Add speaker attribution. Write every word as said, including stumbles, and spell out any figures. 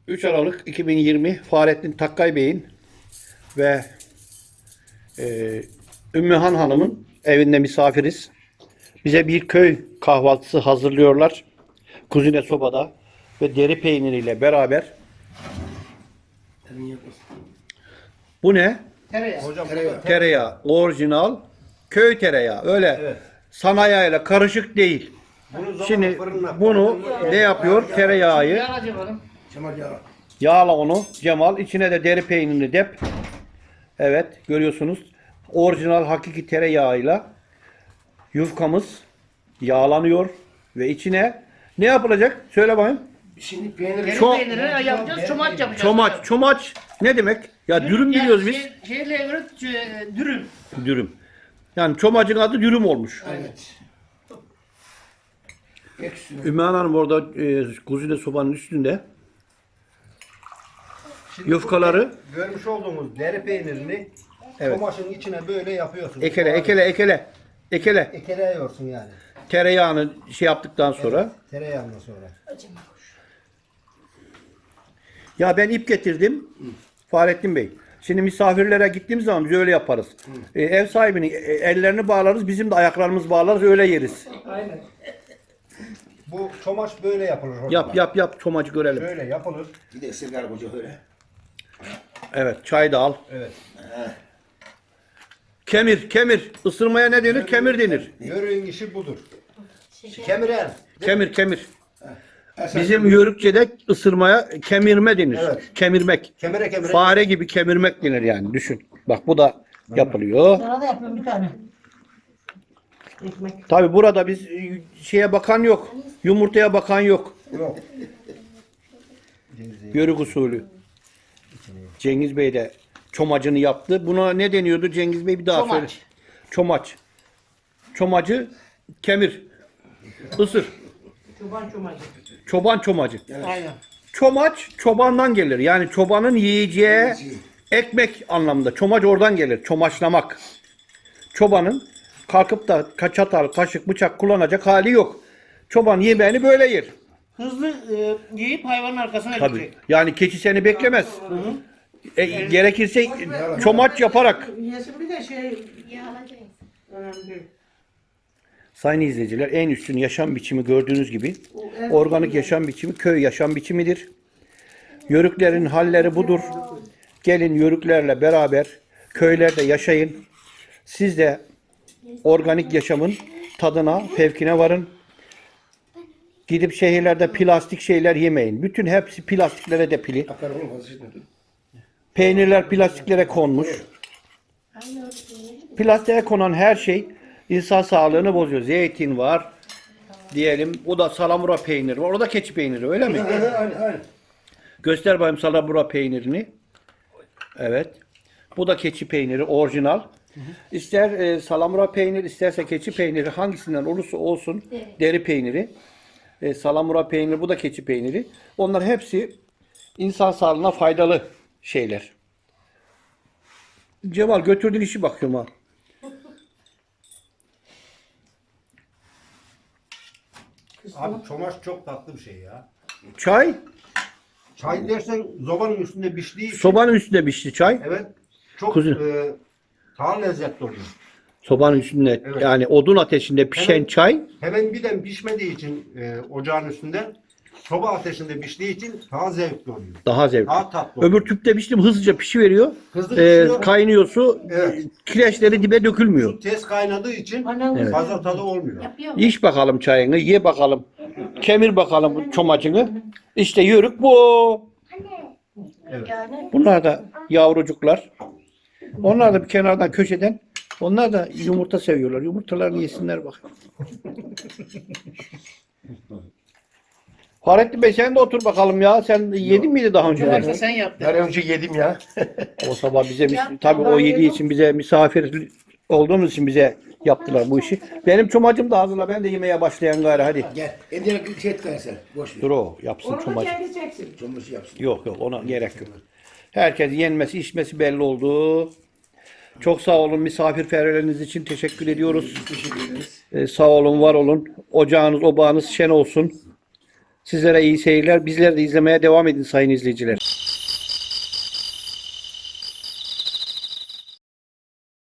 Speaker 1: üç Aralık iki bin yirmi Fahrettin Takkay Bey'in ve e, Ümmühan Hanım'ın evinde misafiriz. Bize bir köy kahvaltısı hazırlıyorlar. Kuzine sobada ve deri peyniriyle beraber. Bu ne?
Speaker 2: Tereyağı.
Speaker 3: Hocam
Speaker 1: Tereyağı. Tereyağı. Orijinal köy tereyağı. Öyle
Speaker 3: Evet.
Speaker 1: sanayayla karışık değil.
Speaker 3: Bunu
Speaker 1: Şimdi bunu ne yapıyor? Tereyağı.
Speaker 2: Yağ canım.
Speaker 3: Cemal yağı.
Speaker 1: Yağla onu Cemal. İçine de deri peynirini dep. Evet görüyorsunuz. Orijinal hakiki tereyağıyla yufkamız yağlanıyor. Ve içine ne yapılacak? Söyle bakayım.
Speaker 3: Şimdi peynir.
Speaker 2: Deri
Speaker 1: Ço-
Speaker 2: peynirini yapacağız, çomaç yapacağız.
Speaker 1: Çomaç. Çomaç ne demek? Ya dürüm
Speaker 2: Yani
Speaker 1: biliyoruz biz.
Speaker 2: Şey, şeyle göre e, dürüm.
Speaker 1: Dürüm. Yani çomacın adı dürüm olmuş.
Speaker 3: Evet. Ekşi.
Speaker 1: Ümmühan Hanım orada e, kuzine sobanın üstünde.
Speaker 3: Şimdi
Speaker 1: Yufkaları
Speaker 3: bu görmüş olduğumuz deri peynirini
Speaker 1: Evet.
Speaker 3: tomaşın içine böyle yapıyorsun.
Speaker 1: ekele ekele ekele ekele
Speaker 3: Ekeleyorsun yani.
Speaker 1: tereyağını şey yaptıktan sonra.
Speaker 3: Tereyağından sonra.
Speaker 1: Ya ben ip getirdim. Fahrettin Bey. Şimdi misafirlere gittiğimiz zaman biz öyle yaparız. E, ev sahibinin e, ellerini bağlarız, bizim de ayaklarımızı bağlarız, öyle yeriz.
Speaker 2: Aynen.
Speaker 3: Bu çomaş böyle yapılır hocam.
Speaker 1: Yap yap yap çomacı görelim.
Speaker 3: Böyle yapılır.
Speaker 4: Bir de sigara koca öyle.
Speaker 1: Evet çay da al.
Speaker 3: Evet.
Speaker 1: Kemir kemir. Isırmaya ne denir? Kemir denir.
Speaker 3: Yörüğün işi budur. Kemiren.
Speaker 1: Kemir kemir. Bizim Yörükçe'de ısırmaya kemirme denir.
Speaker 3: Evet.
Speaker 1: Kemirmek.
Speaker 3: Kemire kemire.
Speaker 1: Fare gibi kemirmek denir yani düşün. Bak bu da yapılıyor.
Speaker 2: Sana da yapıyorum bir tane. Ekmek.
Speaker 1: Tabi burada biz e, şeye bakan yok. Yumurtaya bakan yok.
Speaker 3: Yok.
Speaker 1: Yörük usulü. Cengiz Bey de çomacını yaptı. Buna ne deniyordu Cengiz Bey bir daha
Speaker 2: Çomaç.
Speaker 1: söyle. Çomaç. Çomacı kemir. Isır.
Speaker 2: Çoban çomacı.
Speaker 1: Çoban çomacı.
Speaker 2: Aynen.
Speaker 1: Çomaç çobandan gelir. Yani çobanın yiyeceği ekmek anlamında. Çomaç oradan gelir. Çomaçlamak. Çobanın kalkıp da ka- çatal, kaşık, bıçak kullanacak hali yok. Çoban yemeğini böyle yer.
Speaker 2: Hızlı e, yiyip hayvanın arkasına
Speaker 1: Tabii.
Speaker 2: gidecek.
Speaker 1: Yani keçi seni beklemez. E, gerekirse çomaç yaparak.
Speaker 2: Yesin bir de şey önemli değil.
Speaker 1: Sayın izleyiciler en üstün yaşam biçimi gördüğünüz gibi
Speaker 2: O en-
Speaker 1: organik yaşam biçimi köy yaşam biçimidir. Yörüklerin halleri budur. Gelin yörüklerle beraber köylerde yaşayın. Siz de organik yaşamın tadına, fevkine varın. Gidip şehirlerde plastik şeyler yemeyin. Bütün hepsi plastiklere depili. Peynirler plastiklere konmuş. Plastiğe konan her şey insan sağlığını bozuyor. Zeytin var. Diyelim o da salamura peyniri var. O da keçi peyniri öyle mi?
Speaker 3: Aynen aynen.
Speaker 1: Göster bakayım salamura peynirini. Evet. Bu da keçi peyniri orijinal. İster e, salamura peyniri isterse keçi peyniri hangisinden olursa olsun deri peyniri. E, salamura peyniri bu da keçi peyniri. Onlar hepsi insan sağlığına faydalı şeyler. Cemal götürdüğün işi bakıyorum ha.
Speaker 3: Abi çomaş çok tatlı bir şey ya.
Speaker 1: Çay.
Speaker 3: Çay dersen zobanın üstünde piştiği için.
Speaker 1: Sobanın üstünde pişti çay.
Speaker 3: Evet. Çok
Speaker 1: Kuzu.
Speaker 3: e, daha lezzetli oluyor.
Speaker 1: Sobanın üstünde
Speaker 3: Evet.
Speaker 1: yani odun ateşinde pişen
Speaker 3: Evet.
Speaker 1: çay.
Speaker 3: Hemen birden pişmediği için e, ocağın üstünde soba ateşinde piştiği için daha zevkli oluyor.
Speaker 1: Daha zevkli.
Speaker 3: Daha tatlı oluyor.
Speaker 1: Öbür tüpte piştim hızlıca pişiveriyor.
Speaker 3: Hızlı
Speaker 1: Ee,
Speaker 3: pişiyor.
Speaker 1: kaynıyor su.
Speaker 3: Evet.
Speaker 1: Kireçleri dibe dökülmüyor.
Speaker 3: Su tez kaynadığı için
Speaker 2: Annem
Speaker 3: fazla tadı olmuyor.
Speaker 1: İç bakalım çayını, ye bakalım. Kemir bakalım bu çomacını. İşte yörük bu. Bunlar da yavrucuklar. Onlar da bir kenardan köşeden. Onlar da yumurta seviyorlar. Yumurtalarını yesinler bak. Fahrettin Bey sen de otur bakalım ya. Sen yedin miydi daha önce?
Speaker 2: varsa sen yaptın.
Speaker 3: Her önce yedim ya.
Speaker 1: O sabah bize mis- tabii o yediği için bize misafir olduğumuz için bize yaptılar bu işi. Benim çomacım da hazırla. Ben de yemeye başlayan gayrı hadi.
Speaker 4: Gel. Evde bir şey et sen. Boş ver.
Speaker 1: Dur o yapsın
Speaker 2: Onu da
Speaker 1: çomacı.
Speaker 2: kendi çeksin.
Speaker 4: Çomuşu yapsın.
Speaker 1: Yok yok ona gerek yok. Herkes yenmesi içmesi belli oldu. Çok sağ olun misafirperverleriniz için teşekkür ediyoruz.
Speaker 4: Teşekkür ederiz.
Speaker 1: Ee, sağ olun var olun. Ocağınız obağınız şen olsun. Sizlere iyi seyirler. Bizleri de izlemeye devam edin sayın izleyiciler.